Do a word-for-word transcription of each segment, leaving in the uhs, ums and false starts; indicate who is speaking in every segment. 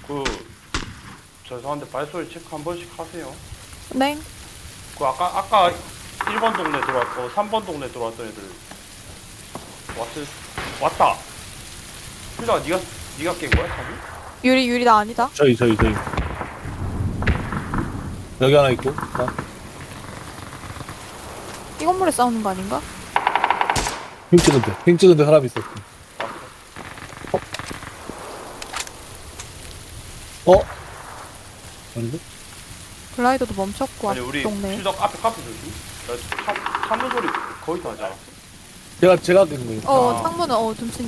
Speaker 1: 그 죄송한데 발소리 체크 한 번씩 하세요.
Speaker 2: 네.
Speaker 1: 그 아까 아까 일 번 동네 들어왔고 삼 번 동네 들어왔던 애들 왔을 왔다. 필라 네가 네가 깬 거야, 자기?
Speaker 2: 유리 유리 나 아니다.
Speaker 3: 저희 저희 저희 여기 하나 있고 아,
Speaker 2: 이 건물에 싸우는 거 아닌가?
Speaker 3: 핑 찍은데 핑 찍은데 사람 있었어. 어? 아닌데?
Speaker 2: 글라이더도 멈췄고
Speaker 1: 아니 우리
Speaker 2: 동네.
Speaker 1: 필덕 앞에 카페 조심. 나 참, 참는 소리 거기서 하지 않았어?
Speaker 3: 제가 제가 깬 거예요.
Speaker 2: 어
Speaker 1: 아.
Speaker 2: 창문은 어 둠친.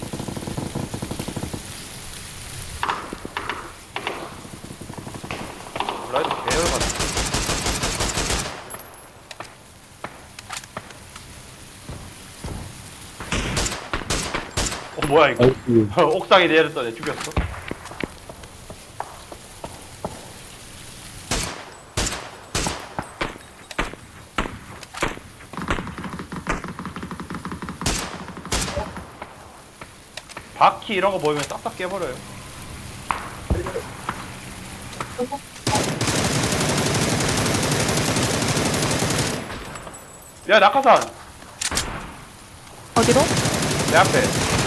Speaker 1: 라이트 배열 같아. 어 뭐야 이거?
Speaker 3: 아이고.
Speaker 1: 옥상에 내렸던 애 죽였어? 바퀴 이런 거 보이면 싹싹 깨버려요. 야 낙하산
Speaker 2: 어디로?
Speaker 1: 내 앞에.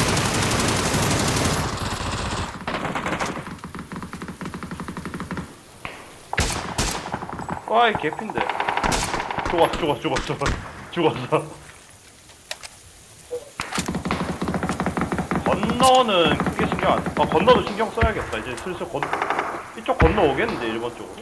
Speaker 1: 와이 개핀데. 죽었어 죽었어 죽었어 죽었어. 건너는 크게 신경 안. 아 건너도 신경 써야겠다. 이제 슬슬 건 이쪽 건너 오겠는데 일본 쪽으로.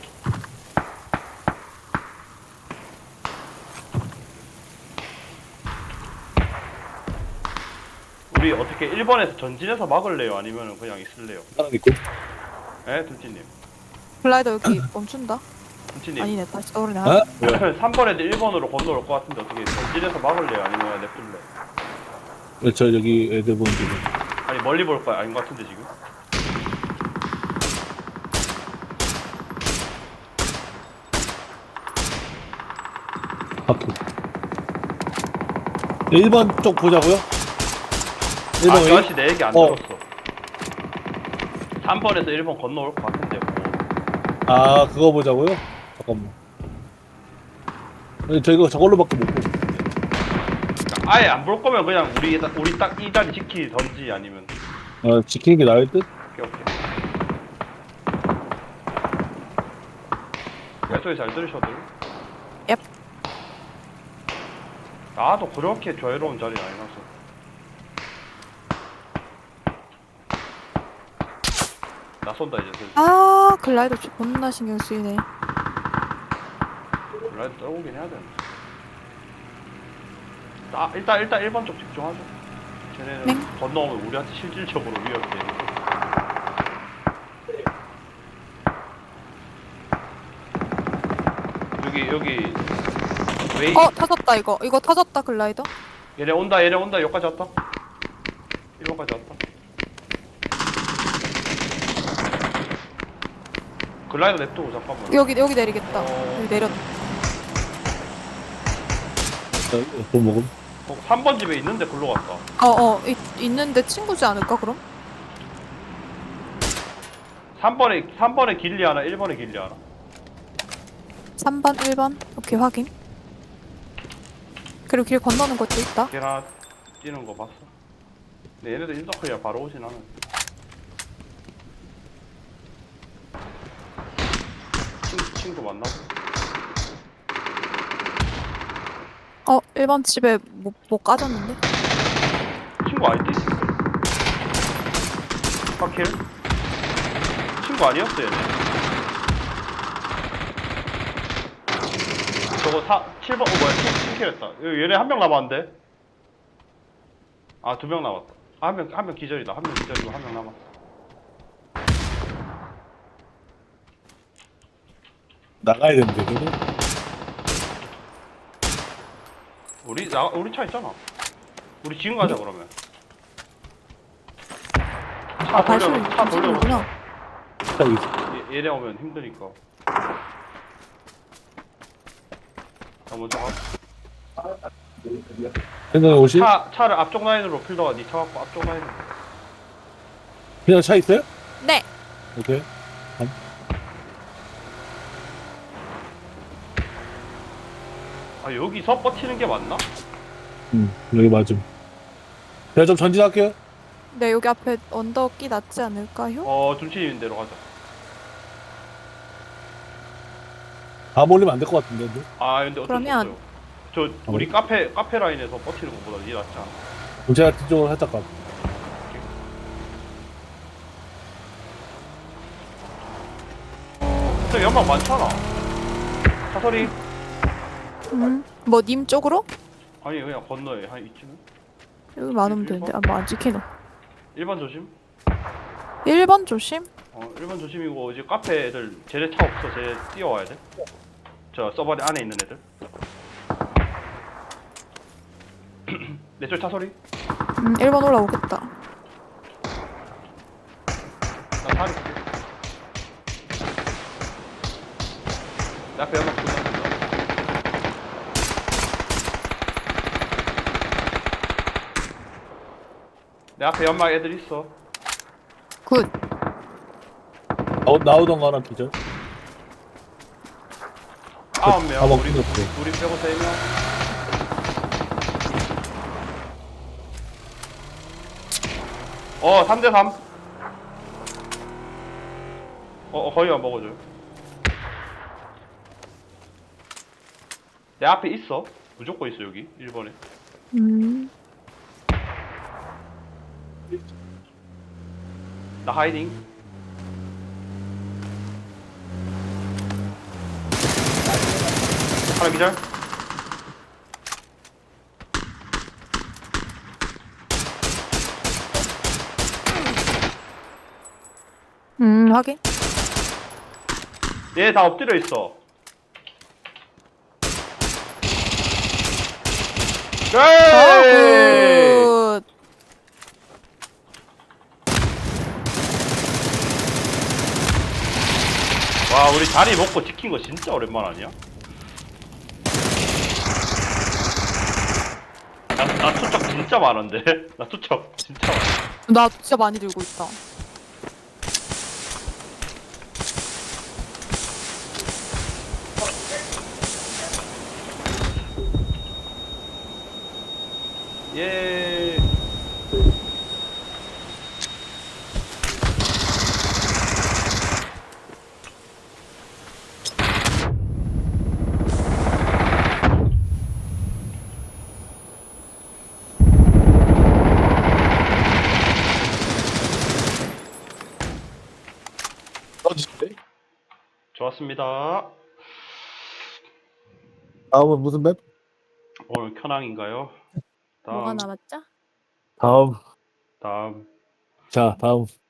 Speaker 1: 우리 어떻게 일본에서 전진해서 막을래요? 아니면 그냥 있을래요?
Speaker 3: 하나 있고.
Speaker 1: 에 둘찌님.
Speaker 2: 글라이더 여기 멈춘다.
Speaker 1: 둘찌님.
Speaker 2: 아니네 다시 떠오르네.
Speaker 3: 아?
Speaker 1: 삼 번 애들 일 번으로 건너올 것 같은데 어떻게 전진해서 막을래요? 아니면 그냥 냅둘래?
Speaker 3: 네, 저 여기 애들 보는 중.
Speaker 1: 아니 멀리 볼 거야? 아닌 것 같은데 지금?
Speaker 3: 바퀴. 일 번 쪽 보자고요? 일 번
Speaker 1: 아, 저
Speaker 3: 웨이?
Speaker 1: 아저씨 내 얘기 안
Speaker 3: 어.
Speaker 1: 들었어. 삼 번에서 일 번 건너올 것 같은데 뭐.
Speaker 3: 아 그거 보자고요? 잠깐만. 아니, 저 이거 저걸로밖에 못 보고.
Speaker 1: 아예 안 볼 거면 그냥 우리 딱- 우리 딱 이 자리 지키던지 아니면
Speaker 3: 아 지키는 게 나을 듯?
Speaker 1: 오케이 오케이. 발소리 잘 들으셔도.
Speaker 2: 옙.
Speaker 1: 나도 그렇게 자유로운 자리 아니라서. 나 쏜다 이제 슬슬.
Speaker 2: 아 글라이더 존나 신경 쓰이네.
Speaker 1: 라이트 떨어오긴 해야 되는데. 아, 일단 일단 일 번 쪽 집중하죠. 쟤네는
Speaker 2: 네.
Speaker 1: 건너오면 우리한테 실질적으로 위협이 되니까. 여기 여기 웨이.
Speaker 2: 어 터졌다 이거. 이거 터졌다 글라이더.
Speaker 1: 얘네 온다 얘네 온다 여기까지 왔다. 일 번까지 왔다. 글라이더 냅두고 잠깐만.
Speaker 2: 여기 여기 내리겠다.
Speaker 1: 어.
Speaker 2: 여기 내렸.
Speaker 3: 돈 먹음.
Speaker 1: 어, 삼 번 집에 있는데 글로 갔다.
Speaker 2: 어어 있는데 친구지 않을까 그럼?
Speaker 1: 삼 번에 삼 번에 길리 하나, 일 번에 길리 하나.
Speaker 2: 삼 번 일 번. 오케이 확인. 그리고 길 건너는 것도 있다.
Speaker 1: 걔 하나 뛰는 거 봤어. 근데 얘네들 인서클이야 바로 오진 않아. 친, 친구 만나고.
Speaker 2: 어 일 번 집에 못, 못 까졌는데?
Speaker 1: 친구 아이디? 파킬? 친구 아니었어 얘네. 저거 사, 칠 번, 어 뭐야 칠 킬 했다. 얘네 한 명 남았는데? 아 두 명 남았다. 아, 한 명, 한 명 기절이다. 한 명 기절이고 한 명 남았어.
Speaker 3: 나가야 되는데 그거?
Speaker 1: 우리, 나, 우리 차 있잖아. 우리 지금 가자 그러면. 차
Speaker 2: 아 발소리
Speaker 1: 돌려, 차 돌려.
Speaker 2: 둠친구나.
Speaker 3: 자 있어.
Speaker 1: 얘, 얘네 오면 힘드니까. 나 먼저 가.
Speaker 3: 생각해 오시?
Speaker 1: 차, 차를 앞쪽 라인으로 필더가 니 차 갖고 앞쪽 라인으로.
Speaker 3: 그냥 차 있어요?
Speaker 2: 네.
Speaker 3: 오케이.
Speaker 1: 아 여기서 버티는 게 맞나?
Speaker 3: 음, 여기 맞음. 제가 좀 전진할게요.
Speaker 2: 네, 여기 앞에 언덕이 낫지 않을까요?
Speaker 1: 어 둠치 있는 데로 가자.
Speaker 3: 다 몰리면 안 될 것 같은데. 근데.
Speaker 1: 아 근데 어쩔 수
Speaker 2: 그러면-
Speaker 1: 없어요. 저 우리 카페 카페 라인에서 버티는 것보다 이게 낫지 않아?
Speaker 3: 그럼 제가 뒤쪽으로 살짝 가.
Speaker 1: 근데 연막 많잖아. 사설이
Speaker 2: 음. 뭐 님 쪽으로?
Speaker 1: 아니 그냥 건너에 한 이쯤.
Speaker 2: 여기 많으면 되는데. 아, 뭐 안 지키노.
Speaker 1: 일 번 조심.
Speaker 2: 일 번 조심.
Speaker 1: 어 일 번 조심이고 이제 카페 애들 쟤네 차 없어. 쟤네 뛰어와야 돼. 저 서버 안에 있는 애들. 내쪽 차 소리.
Speaker 2: 음, 일 번 올라오겠다.
Speaker 1: 나 다리 볼게. 내 앞에 연막 보자. 내 앞에 연막 애들 있어.
Speaker 2: 굿.
Speaker 3: 나오, 나오던 거 하나 기절.
Speaker 1: 아홉 명.
Speaker 3: 다 먹고
Speaker 1: 우리
Speaker 3: 있었어.
Speaker 1: 우리 빼고 세 명. 어, 삼 대 삼. 어, 어, 거의 안 먹어줘요. 내 앞에 있어. 무조건 있어, 여기. 일 번에.
Speaker 2: 음.
Speaker 1: 나 하이딩. 하나 기절.
Speaker 2: 음, 확인.
Speaker 1: 얘 다 엎드려 있어.
Speaker 2: 아,
Speaker 1: 네!
Speaker 2: 굿.
Speaker 1: 와, 우리 자리 먹고 지킨 거 진짜 오랜만 아니야? 나, 나 투척 진짜 많은데? 나 투척 진짜 많아.
Speaker 2: 나 진짜 많이 들고 있다.
Speaker 1: 예.
Speaker 3: 떠지는데?
Speaker 1: 좋았습니다.
Speaker 3: 다음은 무슨 맵?
Speaker 1: 오늘 켜낭인가요?
Speaker 2: 뭐가
Speaker 1: 다음,
Speaker 2: 남았죠?
Speaker 3: 다음.
Speaker 1: 다음.
Speaker 3: 자, 다음.